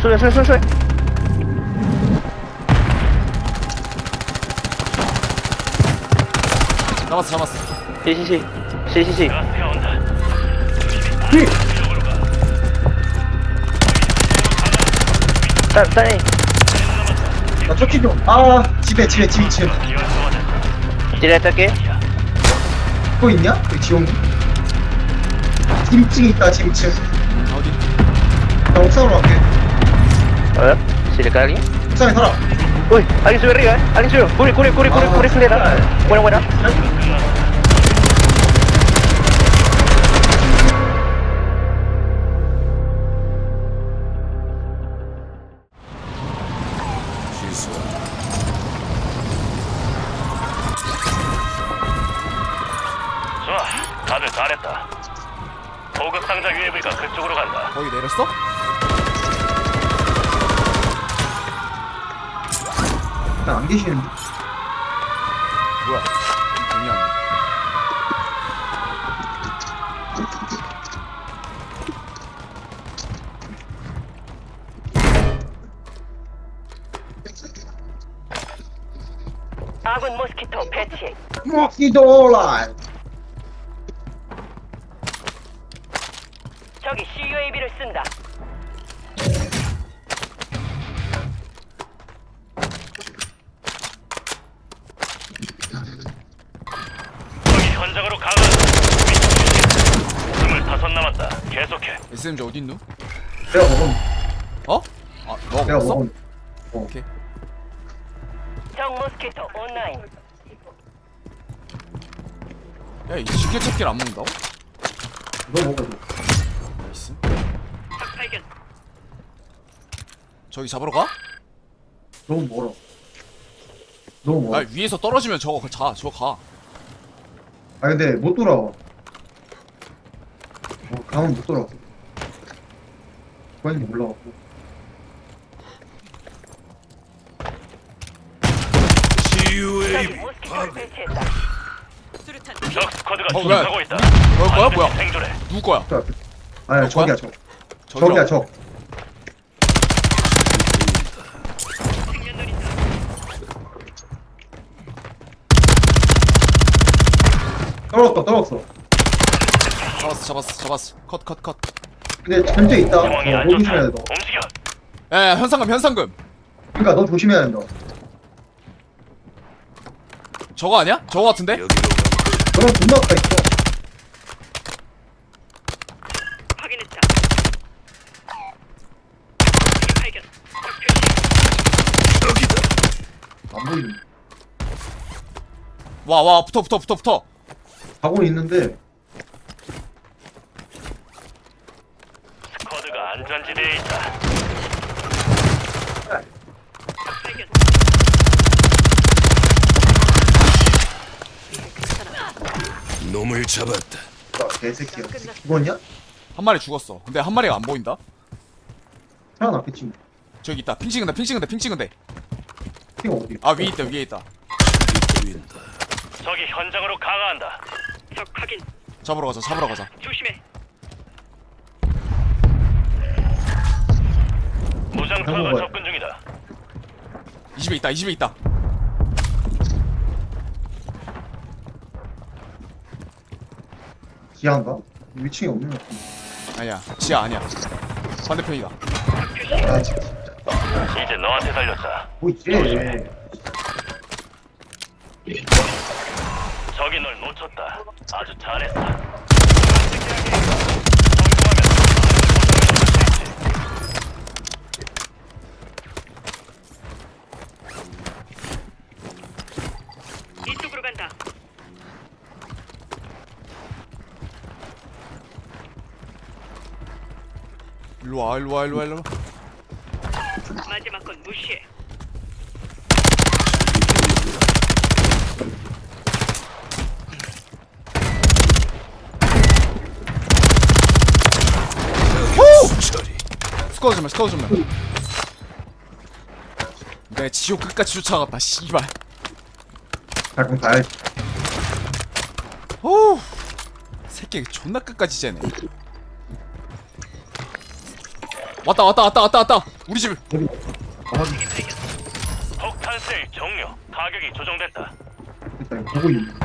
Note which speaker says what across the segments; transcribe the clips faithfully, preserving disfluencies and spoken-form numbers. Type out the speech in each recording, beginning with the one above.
Speaker 1: 소리 소리 소리 소리.
Speaker 2: 잡았어 잡았어.
Speaker 1: 시시시 시시시. 딸 딸이
Speaker 3: 나 쫓기 좀. 아, 집에, 집에, 집 이 층.
Speaker 1: 딜에 딸게.
Speaker 3: 또 있냐? 여기 지용이. 집 이 층에 있다, 집 이 층.
Speaker 2: 어디?
Speaker 3: 나 옥상으로 갈게.
Speaker 1: 어? silakan lagi.
Speaker 3: 옥상에 살아.
Speaker 1: Uy, alguien sube arriba, eh. Alguien sube. Corre, corre, corre, corre, corre, acelera. Buena, buena.
Speaker 4: 좋아, 다들 잘했다. 보급 상자 유에브이가 그쪽으로 간다.
Speaker 2: 거기 내렸어?
Speaker 3: 나 안 계시는데.
Speaker 2: 뭐야? 동의하네.
Speaker 5: 아군 모스키토 배치.
Speaker 3: 모스키토라.
Speaker 5: 적이 씨유에이비를 쓴다.
Speaker 4: 저기 현장으로 강한. 스물다섯 남았다. 계속해.
Speaker 2: 에스엠지 어디 있노?
Speaker 3: 내가 먹은.
Speaker 2: 어? 아, 너가
Speaker 3: 내가
Speaker 2: 먹었어?
Speaker 3: 먹은.
Speaker 2: 오케이.
Speaker 5: 적 모스키토 온라인.
Speaker 2: 야, 이 지게찾기를 안 먹는다고?
Speaker 3: 너 먹어.
Speaker 2: 나이스.
Speaker 5: 적 발견.
Speaker 2: 저기 잡으러 가?
Speaker 3: 너무 멀어. 너무 멀어.
Speaker 2: 아, 위에서 떨어지면 저거 자, 저거 가.
Speaker 3: 아 근데 못 돌아와. 어, 가면 못 돌아와. 그건지 몰라갖고.
Speaker 5: 적이 모스키토를 배치했다.
Speaker 4: 적 스쿼드가
Speaker 2: 어, 왜?
Speaker 4: 추적하고 있다.
Speaker 2: 너 거야? 뭐야?
Speaker 4: 생존해.
Speaker 2: 누구 거야?
Speaker 3: 저 앞에. 아야
Speaker 2: 너
Speaker 3: 저기야
Speaker 2: 거야?
Speaker 3: 저.
Speaker 2: 저기요?
Speaker 3: 저기야 저. 떨어졌다 떨어졌어.
Speaker 2: 잡았어, 잡았어, 잡았어. 컷, 컷, 컷.
Speaker 3: 근데 전체 있다.
Speaker 4: 상황이
Speaker 3: 어,
Speaker 4: 안
Speaker 3: 너
Speaker 4: 좋다.
Speaker 3: 조심해야 돼 너.
Speaker 4: 움직여.
Speaker 2: 야, 야, 현상금, 현상금.
Speaker 3: 그러니까 너 조심해야 된다.
Speaker 2: 저거 아니야? 저거 같은데?
Speaker 3: 너랑 존나 가까 있어.
Speaker 5: 확인했다. 발견. 적 표시.
Speaker 3: 안 보이네.
Speaker 2: 와, 와, 붙어, 붙어, 붙어, 붙어.
Speaker 3: 가고는 있는데
Speaker 4: 스쿼드가 안전지대에 있다.
Speaker 5: 발견.
Speaker 6: 놈을 잡았다.
Speaker 3: 아, 개새끼야. 죽었냐?
Speaker 2: 한 마리 죽었어. 근데 한 마리가 안 보인다?
Speaker 3: 살아났겠지.
Speaker 2: 저기 있다. 핑 찍은데, 핑 찍은데, 핑 찍은데.
Speaker 3: 팀 어디?
Speaker 2: 아, 위에 있다, 위에 있다.
Speaker 6: 보인다.
Speaker 4: 적이 현장으로 강화한다.
Speaker 5: 적 확인.
Speaker 2: 잡으러 가자, 잡으러 가자.
Speaker 5: 조심해.
Speaker 4: 무장 투하가
Speaker 3: 한번
Speaker 4: 접근 중이다.
Speaker 2: 이 집에 있다, 이 집에 있다.
Speaker 3: 기아인가? 위층에 없는 것 같은데.
Speaker 2: 아니야, 지하 아니야. 반대편이다.
Speaker 3: 아 진짜.
Speaker 4: 이제 너한테 달렸다.
Speaker 3: 뭐 이래?
Speaker 4: 적이 널 놓쳤다. 아주 잘했어.
Speaker 5: 이쪽으로 간다.
Speaker 2: 일로 와, 일로 와, 일로 와, 일로 와.
Speaker 5: 마지막 건 무시해.
Speaker 6: 수처리.
Speaker 2: 스쿼드 좀해, 스쿼드 좀해. 내 지옥 끝까지 쫓아갔다, 씨발.
Speaker 3: 가끔 가야지.
Speaker 2: 오, 새끼 존나 끝까지 째네. 왔다 왔다 왔다 왔다 왔다. 우리 집.
Speaker 3: 아,
Speaker 4: 폭탄 세일 종료. 가격이 조정됐다.
Speaker 3: 됐다. 이거 보고 있네.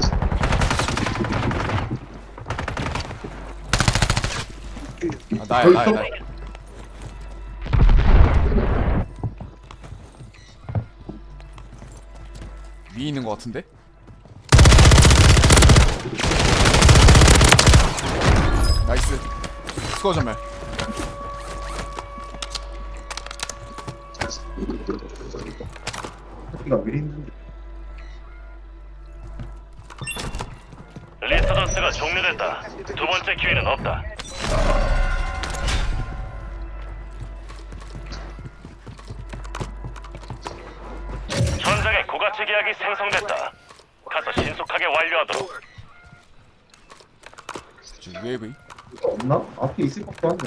Speaker 2: 아, 나야 나야 나야. 위에 있는 것 같은데? 나이스. 스코어 전멸.
Speaker 3: 이거 왜 있는데?
Speaker 4: 리스던스가 종료됐다. 두 번째 기회는 없다. 전장에 고가치 계약이 생성됐다. 가서 신속하게 완료하도록.
Speaker 2: 지금 웨이브.
Speaker 3: 이거 없나? 앞에 있을 것도 한데.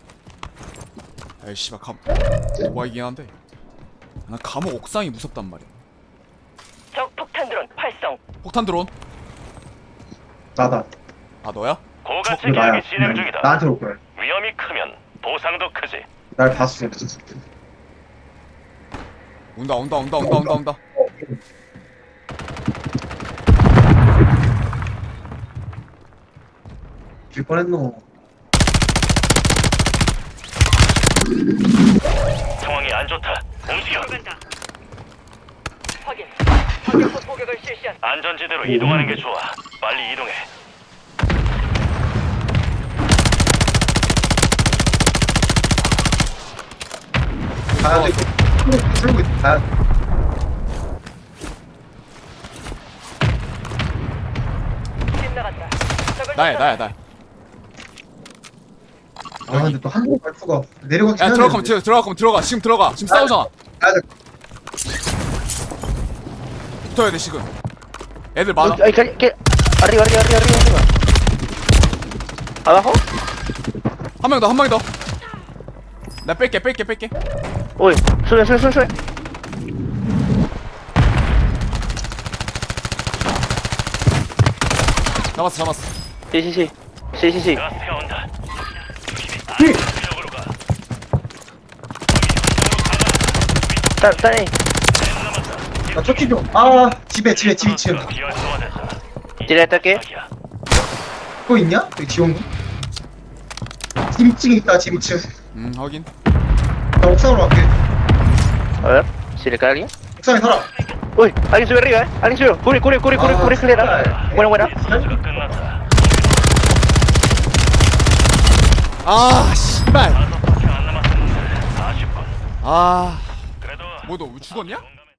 Speaker 2: 에이 씨발 감. 오바이긴 한데. 난 감옥 옥상이 무섭단 말이야.
Speaker 5: 적 폭탄 드론 활성.
Speaker 2: 폭탄 드론.
Speaker 3: 나다.
Speaker 2: 아 너야?
Speaker 4: 고가치
Speaker 3: 이거 나야.
Speaker 4: 계약이 진행 중이다.
Speaker 3: 나한테 올 거야.
Speaker 4: 위험이 크면 보상도 크지.
Speaker 3: 날 봤어.
Speaker 2: 온다 온다 온다 온다 온다 온다.
Speaker 3: 길 뻔했노.
Speaker 4: 상황이 안 좋다. 움직여.
Speaker 5: 들어간다. 확인. 확인포 포격을 실시한.
Speaker 4: 안전지대로 이동하는 게 좋아. 빨리 이동해.
Speaker 3: 가야 돼. 들고 있어. 가야 돼.
Speaker 5: 집 나간다. 적을
Speaker 2: 나야
Speaker 5: 쫓아-
Speaker 2: 나야 나.
Speaker 3: 아 근데 또 한국 발표가 내려가긴
Speaker 2: 야
Speaker 3: 해야
Speaker 2: 들어가면
Speaker 3: 되는데.
Speaker 2: 들어 들어가면 들어가. 지금 들어가. 지금 싸우잖아.
Speaker 3: 가야 돼.
Speaker 2: 붙어야 돼 지금. 애들 많아.
Speaker 1: Ay, que, que, arriba, arriba, arriba, arriba, arriba. Abajo.
Speaker 2: 한 명 더 한 명 더. 나 뺄게 뺄게 뺄게.
Speaker 1: Uy, sube, sube, sube, sube.
Speaker 2: 잡았어 잡았어.
Speaker 1: Sí, sí, sí. Sí, sí, sí.
Speaker 4: 가스가 온다.
Speaker 3: 예.
Speaker 4: 지역으로 가.
Speaker 1: Está, está ahí.
Speaker 3: 나 쫓기 좀. 아 집에 집에 집 이층.
Speaker 4: 비활성화됐다.
Speaker 1: Tira ataque.
Speaker 4: 시작이야.
Speaker 3: 또 있냐? 여기 지원군. 집 이층에 있다. 집 이층.
Speaker 2: 음 확인.
Speaker 3: 나 옥상으로 갈게.
Speaker 1: A ver, si le cae alguien.
Speaker 3: 옥상에 살아.
Speaker 1: Uy, alguien sube arriba, eh. Alguien sube. Cubre, cubre, cubre, cubre,
Speaker 3: Ah,
Speaker 1: cubre escalera.
Speaker 3: sí.
Speaker 1: Buena, buena.
Speaker 4: 리스던스가 끝났다.
Speaker 2: 아 씨발.
Speaker 4: 다섯 밖에 안 남았었는데 아쉽군.
Speaker 2: 아.
Speaker 4: 그래도
Speaker 2: 뭐 너 죽었냐?
Speaker 4: 용감히